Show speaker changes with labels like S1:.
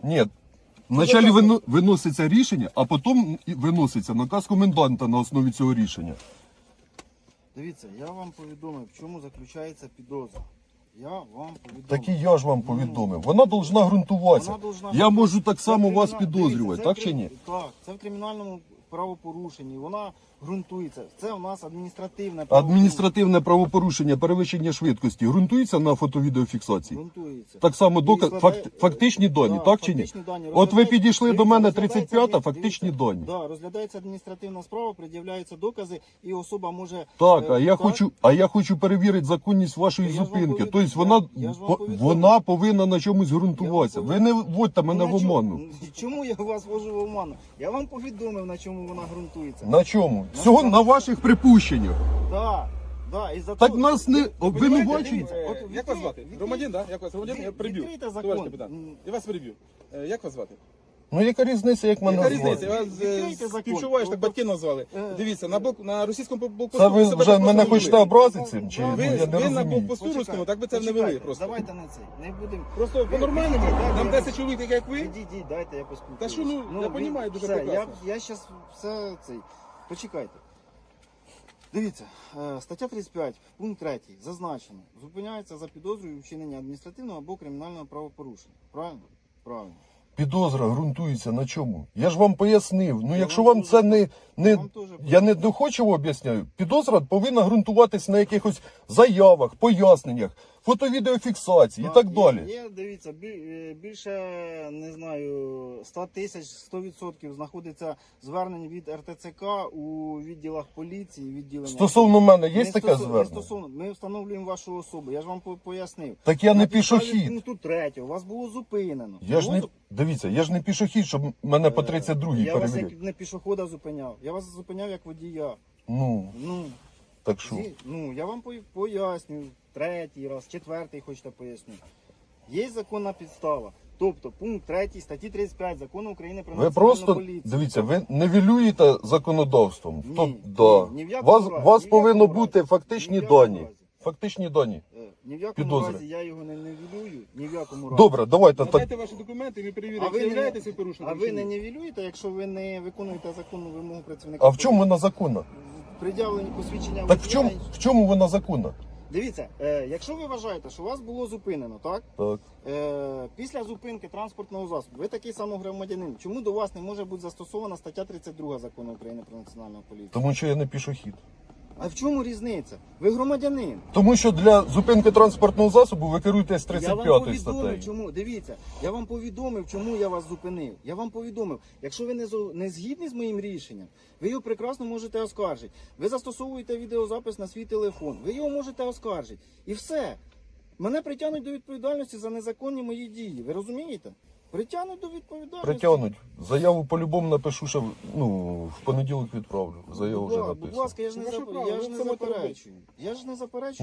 S1: Ні. Вначалі виноситься рішення, а потім виноситься наказ коменданта на основі цього рішення.
S2: Дивіться, я вам повідомив, в чому заключається підозра. Я вам повідомив.
S1: Так і я ж вам повідомив. Вона повинна ґрунтуватися.
S2: Вона должна
S1: Я можу так
S2: Це
S1: само вас
S2: криміна-
S1: підозрювати,
S2: дивіться,
S1: так чи ні?
S2: Так, це в кримінальному правопорушенні. Вона ґрунтується. Це у нас адміністративне
S1: Адміністративне правопорушення, перевищення швидкості ґрунтується на фото-відеофіксації?
S2: ґрунтується.
S1: Так само доказ,
S2: І складає-
S1: фактичні дані,
S2: Да,
S1: так чи ні?
S2: фактичні дані.
S1: От ви
S2: Розглядається-
S1: підійшли до
S2: дивіться,
S1: мене
S2: розглядається
S1: 35-та,
S2: адмі-
S1: фактичні
S2: дивіться,
S1: дані.
S2: Да, розглядається адміністративна справа, пред'являються докази, і особа може...
S1: Так,
S2: так,
S1: а я хочу перевірити законність вашої
S2: Я ж вам
S1: зупинки.
S2: повідомив.
S1: Тобто
S2: Я ж вам повідомив.
S1: вона повинна на чомусь ґрунтуватися.
S2: Я
S1: Ви
S2: вам
S1: не вводьте мене в
S2: на чому-
S1: оману.
S2: Чому я вас ввожу в оману? Я вам повідомив, на чому вона ґрунтується.
S1: На чому? Всього на ваших припущеннях.
S2: Так, да, і за
S1: Так
S2: то-
S1: нас не обвинувачують.
S2: дивіться, от
S3: Як вас звати? Громадян, так? Як вас громадян? Я приб'ю.
S2: Відкрийте закон.
S3: Товариш капітан, я вас приб'ю. Як вас звати?
S1: Ну яка різниця, як мене
S3: Яка
S1: звати?
S3: різниця? Я вас
S2: Відкрийте закон.
S3: співчуваю, що так батьки назвали.
S2: Е.
S3: Дивіться, на російському блокпосту...
S1: Це ви
S3: себе
S1: вже
S3: так
S1: мене
S3: просто
S1: хочете
S3: не вели.
S1: образити цим? Чи
S2: Ви-
S1: ну, я не
S3: Ви на
S1: розумію?
S3: блокпосту руському так би це не вели просто.
S2: Давайте на це. Не будемо.
S3: Просто по-нормальному, нам 10 чоловік, так як ви.
S2: Ідіть, дайте я поспілкуюся.
S3: Та що, ну, я понімаю дуже
S2: все,
S3: прекрасно.
S2: Я зараз все цей. Почекайте. Дивіться, стаття 35, пункт 3, зазначено. Зупиняється за підозрою вчинення адміністративного або кримінального правопорушення. Правильно? Правильно.
S1: Підозра ґрунтується на чому? Я ж вам пояснив. Ну
S2: Я
S1: якщо
S2: вам
S1: вам
S2: теж-
S1: це не
S2: вам теж
S1: я не доходчиво об'ясняю, підозра повинна ґрунтуватись на якихось заявах, поясненнях, фото-відеофіксації і так далі.
S2: Є, дивіться, більше, не знаю, 100 тисяч, 100% знаходиться звернень від РТЦК у відділах поліції, відділення.
S1: Стосовно мене є
S2: Не
S1: таке
S2: не
S1: звернення?
S2: стосовно, ми встановлюємо вашу особу, я ж вам пояснив.
S1: Так я не
S2: На підставі
S1: пішохід.
S2: Пункту 3, вас було зупинено.
S1: Я ж не дивіться, я ж не пішохід, щоб мене по 32-й
S2: Я вас
S1: перевірити.
S2: як не пішохода зупиняв, я вас зупиняв як водія.
S1: Ну,
S2: Ну,
S1: так що?
S2: я вам поясню, 3-й раз, 4-й хочете поясню. Є законна підстава. Тобто пункт 3 статті 35 Закону України про
S1: Ви
S2: національну
S1: просто
S2: поліцію.
S1: дивіться, ви нивелюєте законодавством.
S2: Ні,
S1: Да.
S2: ні в якому
S1: Вас
S2: разі, ні в
S1: повинно
S2: якому
S1: бути
S2: разі,
S1: фактичні
S2: ні в якому
S1: дані.
S2: разі.
S1: Фактичні дані.
S2: Ні в якому
S1: Підозри.
S2: разі я його не нівелюю, ні в якому разі.
S1: Добре, давайте так.
S3: Надайте ваші документи, ми перевіримо, чи являєтеся
S2: А
S3: порушником.
S2: ви
S3: чи
S2: не
S3: ні.
S2: нівелюєте, якщо ви не виконуєте законну вимогу працівника?
S1: А в чому вона законна?
S2: Пред'явлені посвідчення
S1: Так
S2: водія.
S1: в чому вона законна?
S2: Дивіться, якщо ви вважаєте, що вас було зупинено, так?
S1: Так.
S2: Після зупинки транспортного засобу, ви такий самий громадянин. Чому до вас не може бути застосована стаття 32 Закону України про національну поліцію?
S1: Тому що я не пішохід.
S2: А в чому різниця? Ви громадянин.
S1: Тому що для зупинки транспортного засобу ви керуєтесь
S2: Я вам
S1: 35
S2: повідомив,
S1: статтею.
S2: чому. Дивіться, я вам повідомив, чому я вас зупинив. Я вам повідомив, якщо ви не згідні з моїм рішенням, ви його прекрасно можете оскаржити. Ви застосовуєте відеозапис на свій телефон, ви його можете оскаржити. І все. Мене притягнуть до відповідальності за незаконні мої дії. Ви розумієте? Притягнуть до відповідальності.
S1: Притягнуть. Заяву по-любому напишу, що в понеділок відправлю. Заяву вже
S2: Будь
S1: написано.
S2: ласка, я ж не
S3: Ваше право,
S2: я ж
S3: ви
S2: не
S3: це можете робити.
S2: заперечую. Я ж не заперечую.